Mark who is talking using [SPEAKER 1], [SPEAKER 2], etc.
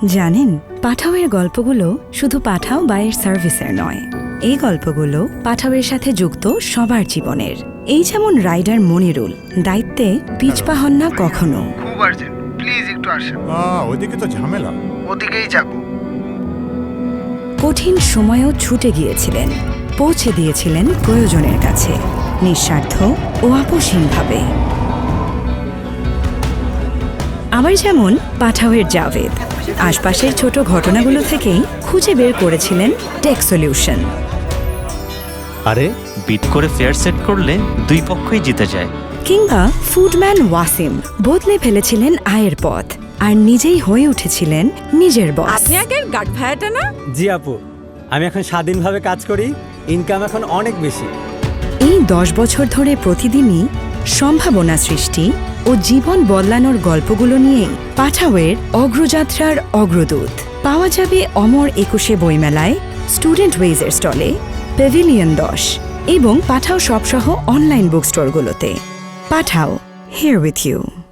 [SPEAKER 1] জানেন, পাঠাওয়ের গল্পগুলো শুধু পাঠাও বা এর সার্ভিসের নয়, এই গল্পগুলো পাঠাওয়ের সাথে যুক্ত সবার জীবনের। এই যেমন রাইডার মনিরুল, দায়িত্বে পিছপা হন না কখনো।
[SPEAKER 2] খুব আর্জেন্ট, প্লিজ একটু আসেন।
[SPEAKER 3] ওইদিকে তো ঝামেলা।
[SPEAKER 2] ওদিকেই যাব।
[SPEAKER 1] কঠিন সময়েও ছুটে গিয়েছিলেন, পৌঁছে দিয়েছিলেন প্রয়োজনের কাছে, নিঃস্বার্থ ও আপোষহীনভাবে। আবার যেমন পাঠাওয়ের জাভেদ, আশপাশের ছোট ঘটনাগুলো থেকেই খুঁজে বের করেছিলেন টেক সলিউশন।
[SPEAKER 4] আরে বিট করে ফেয়ার সেট করলে দুই পক্ষই জিতে যায়।
[SPEAKER 1] কিংবা ফুডম্যান ওয়াসিম বদলে ফেলেছিলেন আয়ের পথ আর নিজেই হয়ে উঠেছিলেন নিজের বস।
[SPEAKER 5] আপনি আগের গার্ড ভাড়াটা না?
[SPEAKER 6] জি আপু, আমি এখন স্বাধীনভাবে কাজ করি, ইনকাম এখন অনেক বেশি।
[SPEAKER 1] এই 10 বছর ধরে প্রতিদিনই সম্ভাবনা সৃষ্টি ও জীবন বদলানোর গল্পগুলো নিয়েই পাঠাওয়ের অগ্রযাত্রার অগ্রদূত পাওয়া যাবে অমর 21 বইমেলায়, স্টুডেন্ট ওয়েজের স্টলে, প্যাভিলিয়ন 10 এবং পাঠাও সবসহ অনলাইন বুক স্টোরগুলোতে। Pathao, here with you.